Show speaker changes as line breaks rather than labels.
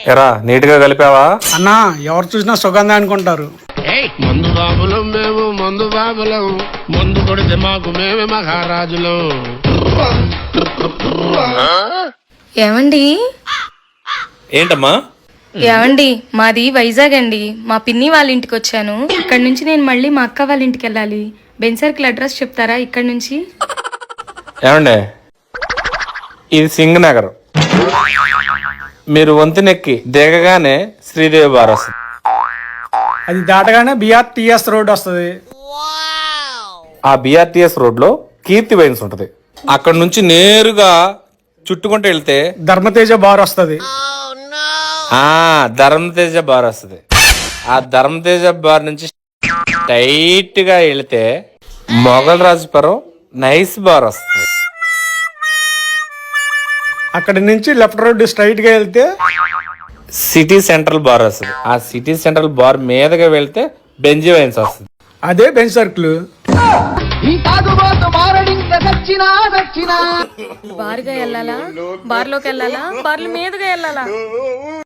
ఎరా నీట్ గా కలిపావా?
అన్నా ఎవరు చూసినా సుగంధ అనుకుంటారు.
మందు బాబులం మేము, మందు బాబులం, మందు కొడితే మాకు మేమే మహారాజులం.
ఏమండి
ఏంటమ్మా?
ఏమండి మాది వైజాగ్ అండి. మా పిన్ని వాళ్ళ ఇంటికి వచ్చాను. ఇక్కడ నుంచి నేను మళ్ళీ మా అక్క వాళ్ళ ఇంటికి వెళ్ళాలి. బెన్ సర్కిల్ అడ్రస్ చెప్తారా ఇక్కడ నుంచి?
ఏమండే, ఇది సింగ్ నగర్. మీరు వంతెనెక్కి దిగగానే శ్రీదేవి బార్ వస్తుంది.
అది దాటగానే బిఆర్టీఎస్ రోడ్ వస్తుంది.
ఆ బిఆర్టీఎస్ రోడ్ లో కీర్తి వైన్స్ ఉంటది. అక్కడ నుంచి నేరుగా చుట్టుకుంటూ వెళ్తే
ధర్మతేజ బార్ వస్తుంది.
ధర్మతేజ బార్ వస్తుంది. ఆ ధర్మతేజ బార్ నుంచి టైట్ గా వెళితే మొఘల్ రాజపురం నైస్ బార్ వస్తుంది.
అక్కడి నుంచి లెఫ్ట్ రోడ్ స్ట్రైట్ గా వెళ్తే
సిటీ సెంట్రల్ బార్ వస్తుంది. ఆ సిటీ సెంట్రల్ బార్ మీదగా వెళ్తే బెంజీ వైన్స్ వస్తుంది.
అదే బెన్ సర్కిల్.
బార్గా వెళ్ళాలా, బార్లోకి వెళ్ళాలా, బార్ల మీదుగా వెళ్ళాలా?